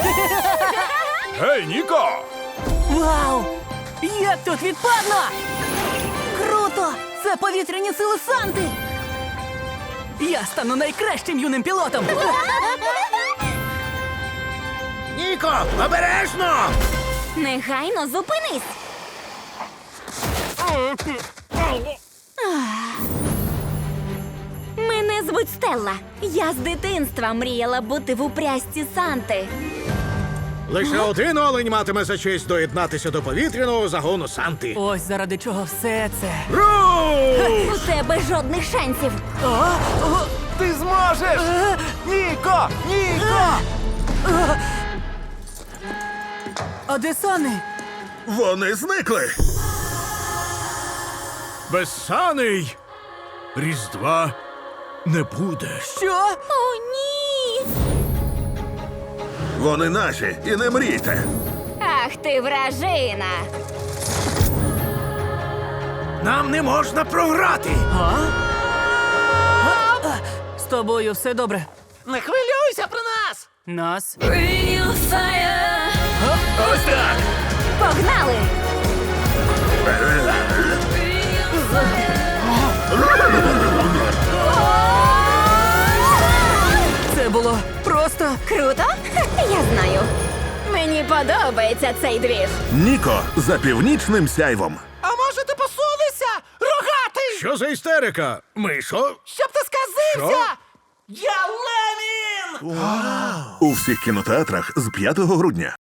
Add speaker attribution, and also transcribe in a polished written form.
Speaker 1: Гей, Ніко!
Speaker 2: Вау! Як тут відпадно! Круто! Це повітряні сили Санти! Я стану найкращим юним пілотом!
Speaker 3: Ніко, обережно!
Speaker 4: Негайно зупинись! Мене звуть Стелла. Я з дитинства мріяла бути в упряжці Санти.
Speaker 3: Лише один олень матиме за честь доєднатися до повітряного загону Санти.
Speaker 2: Ось заради чого все це.
Speaker 3: Руш!
Speaker 4: У тебе жодних шансів.
Speaker 1: Ти зможеш! Ніко! Ніко!
Speaker 2: А де Сани?
Speaker 3: Вони зникли. Безсаний Різдва не буде.
Speaker 2: Що?
Speaker 4: О, ні!
Speaker 3: Вони наші, і не мрійте.
Speaker 4: Ах ти вражина!
Speaker 3: Нам не можна програти.
Speaker 2: З тобою все добре.
Speaker 5: Не хвилюйся про нас!
Speaker 2: Нас?
Speaker 1: Ось так!
Speaker 4: Погнали!
Speaker 2: Це було просто.
Speaker 4: Круто? Я знаю. Мені подобається цей двіж.
Speaker 6: Ніко за північним сяйвом.
Speaker 5: А може ти посунешся? Рогатий!
Speaker 3: Що за істерика? Мишо?
Speaker 5: Щоб ти сказився! Я Ленін!
Speaker 6: У всіх кінотеатрах з 5 грудня.